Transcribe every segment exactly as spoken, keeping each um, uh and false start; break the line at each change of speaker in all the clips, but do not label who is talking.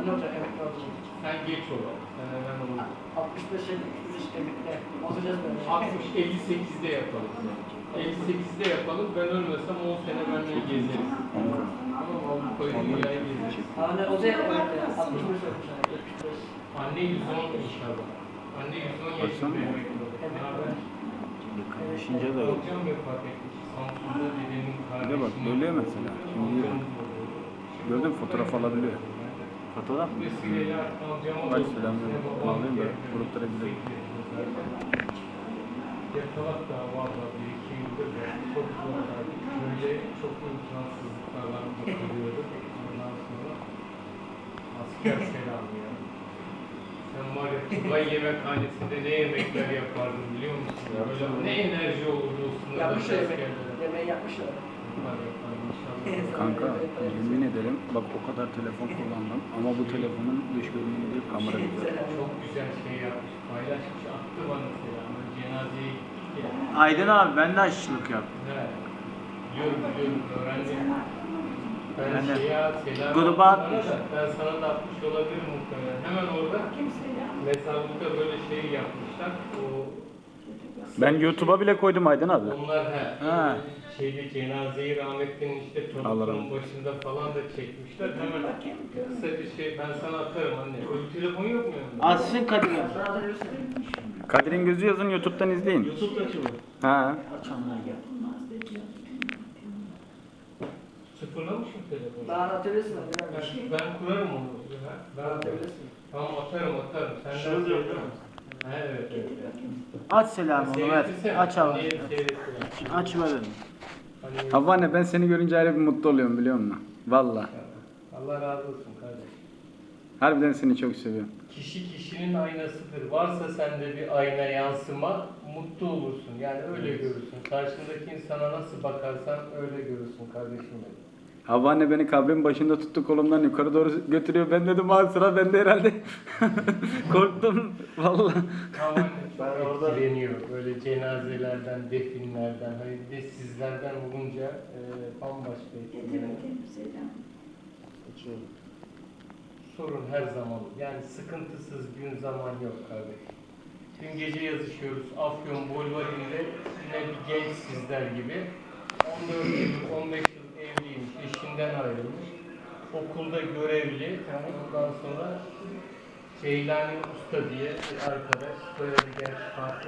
Ne olacak emekli olacak?
Sen geç ol. Sen hemen olur.
altmış beş elli emekli. Olacağız böyle.
altmış elli sekizde yapalım. elli sekizde yapalım. Ben ölmesem on sene benimle gezeriz. Ama Avrupa'yı dünyayı gezeriz.
Anne o da emekli. altmış beş olmuş. yetmiş beş.
Anne yüz on inşallah. Anne yüz on yaşında emekli olur. Ne haber?
Yakınlaşınca da yok.
Hocam vefat etmiş. Samsun'da dedemin
Bir
kardeşi.
de bak böyle mesela. Şimdi gördün mü, fotoğraf alabiliyor. Fotoğraf mı? Bak selamünaleyküm. Alayım da gruplara gidelim.
Yatalak da valla bir iki yıldır da çok zorlardı. Böyle çok imkansızlıklarla bakılıyorduk. Ondan sonra asker selamı ya. Sen var ya Tugay yemekhanesinde ne yemekler yapardın biliyor musun? Böyle ne enerji olurdu o sınırda
Yapmışlar yemek.
askerlere.
Yemeği yapmışlar.
Bunlar yapar inşallah.
Kanka yemin ederim bak o kadar telefon kullandım ama bu telefonun dış görünümü değil, kamera güzel.
Çok güzel şey yapmış, paylaşmış, attı bana selamı. Cenazeye gittik ya.
Aydın abi ben de aşçılık yaptım.
Evet. Biliyorum, biliyorum, öğrendim. Ben,
Ben de
şeye selam
gruba
attım
atmış.
bana da, ben sana da atmış olabilirim muhtemelen. Hemen orada mezarlıkta böyle şey yapmışlar. O
Ben YouTube'a bile koydum Aydın abi.
onlar he,
Ha.
şeyde cenazeyi rahmetlinin işte
Allah
torunun
rahmet
başında falan da çekmişler. Hemen kısa bir şey ben sana atarım anne. Öyle telefon yok mu yanında?
Atsın Kadir abi.
Kadir'in gözü yazın, YouTube'dan izleyin.
YouTube'da açılır.
Ha.
Açanlar gel.
Sıfırlamış mı telefonu?
Daha atabilirsin.
Ben, ben kurarım onu. Ben, ben
Atabilirsin.
tamam atarım atarım. Sen
Şunu
de
diyor,
değil mi? He, evet evet.
Aç selamı onu ver.
Seyrettirsene.
Aç abi.
Niye seyrettiler?
Aç ver dedim.
Hani,
Havva anne, ben seni görünce ayrı bir mutlu oluyorum biliyor musun? Valla.
Allah razı olsun kardeşim.
Harbiden seni çok seviyorum.
Kişi kişinin aynasıdır. Varsa sende bir ayna yansıma mutlu olursun. Yani öyle görürsün. Karşındaki insana nasıl bakarsan öyle görürsün kardeşim benim.
Havva anne beni kabrin başında tuttu, kolumdan yukarı doğru götürüyor. Ben dedim ha sıra bende herhalde. Korktum valla.
Ama ben orada etkileniyor. Böyle cenazelerden, definlerden, hani bir de sizlerden olunca e, bambaşka etkileniyor. Sorun her zaman. Yani sıkıntısız gün zaman yok kardeşim. Dün gece yazışıyoruz. Afyon Bolvari'nde yine bir genç sizler gibi. on dört yıl, on beş yıl evliymiş, eşinden ayrılmış. Okulda görevli. Ondan sonra Ceylani Usta diye bir arkadaş. Soyadı gerçi farklı.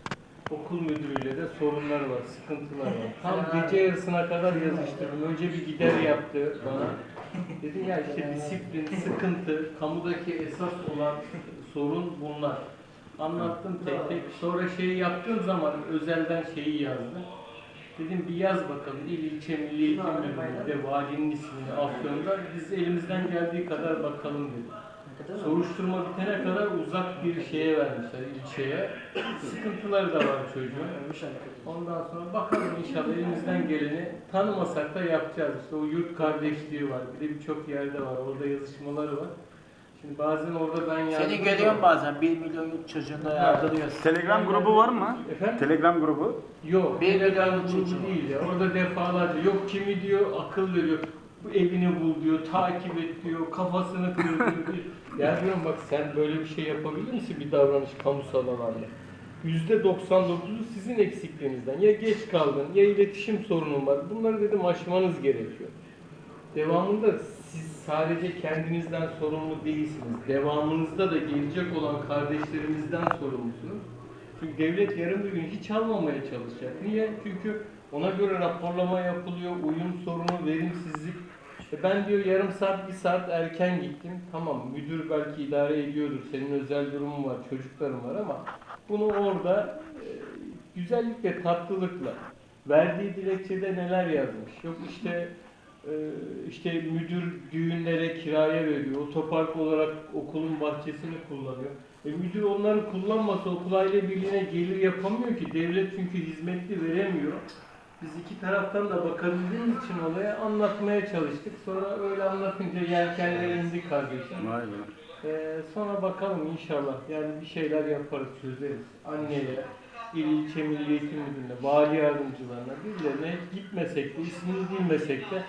Okul müdürüyle de sorunları var, sıkıntılar var. Tam gece yarısına kadar yazıştırdım. Önce bir gider yaptı bana. Dedim ya işte disiplin, sıkıntı, kamudaki esas olan sorun bunlar. Anlattım tek tek. Sonra şeyi yaptığım zaman özelden şeyi yazdı. Dedim bir yaz bakalım il ilçe milli eğitim müdürlüğünde valinin ismini Afyon'da biz elimizden geldiği kadar bakalım dedim. Soruşturma bitene kadar uzak bir şeye vermişler ilçeye. Sıkıntıları da var çocuğun. Ondan sonra bakalım inşallah elimizden geleni tanımasak da yapacağız. İşte o yurt kardeşliği var. Bir de birçok yerde var. Orada yazışmaları var. Şimdi bazen orada ben yardım
Seni görüyorum bazen bir milyon yurt çocuğunda yardırıyorsun.
Telegram grubu var mı?
Efendim?
Telegram grubu.
Yok.
Bir
Telegram
milyon
grubu
çocuğu.
değil ya. Orada defalarca yok kimi diyor akıl veriyor. Bu evini bul diyor, takip et diyor, kafasını kır diyor. Ya diyorum bak sen böyle bir şey yapabilir misin bir davranış kamusal alanda? yüzde doksan dokuzu sizin eksikliğinizden. Ya geç kaldın, ya iletişim sorunun var. Bunları dedim aşmanız gerekiyor. Devamında siz sadece kendinizden sorumlu değilsiniz. Devamınızda da gelecek olan kardeşlerimizden sorumlusunuz. Çünkü devlet yarın bir gün hiç almamaya çalışacak. Niye? Çünkü ona göre raporlama yapılıyor, uyum sorunu, verimsizlik. E ben diyor yarım saat, bir saat erken gittim. Tamam müdür belki idare ediyordur, senin özel durumun var, çocukların var ama bunu orada e, güzellik ve tatlılıkla verdiği dilekçede neler yazmış. Yok işte e, işte müdür düğünlere kiraya veriyor, otopark olarak okulun bahçesini kullanıyor. E müdür onları kullanmasa okul aile birliğine gelir yapamıyor ki. Devlet çünkü hizmetli veremiyor. Biz iki taraftan da bakabildiğimiz için olaya anlatmaya çalıştık. Sonra öyle anlatınca yelkenlerimizi kardeşim.
Vay be.
Ee, sonra bakalım inşallah. Yani bir şeyler yaparız, çözeriz. Anneye, il ilçe milli eğitim müdürlüğüne, vali yardımcılarına, birilerine gitmesek de, ismini bilmesek de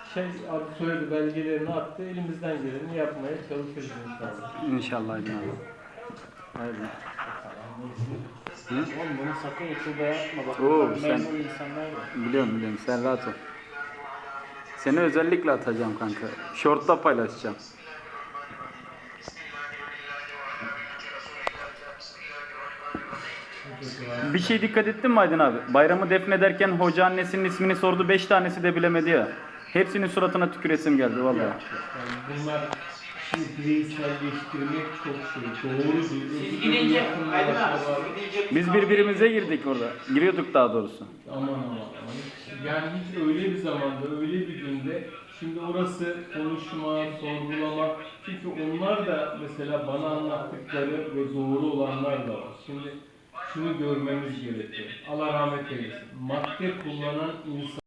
şey adı soyadı belgelerini attı. Elimizden geleni yapmaya çalışırız inşallah.
İnşallah Aydın abi. Haydi.
Oğlum bunu sakın YouTube'a yapma. Bak,
Oo,
bak
sen-
memnun insanlar var.
Biliyorum biliyorum, sen rahat ol. Seni özellikle atacağım kanka. Short'ta paylaşacağım. Bir şey dikkat ettin mi Aydın abi? Bayramı defnederken hoca annesinin ismini sordu, beş tanesi de bilemedi ya. Hepsinin suratına tüküresim geldi vallahi.
Yani bunlar şimdi bireyselleştirmek çok şey. Doğru
Siz gidince, Aydın abi, siz gidince...
Biz birbirimize girdik orada. Giriyorduk daha doğrusu.
Aman aman aman. Yani hiç öyle bir zamanda, öyle bir günde şimdi orası konuşma, sorgulama. Çünkü onlar da mesela bana anlattıkları ve doğru olanlar da var. Şimdi şunu görmemiz gerekiyor. Allah rahmet eylesin. Madde kullanan insan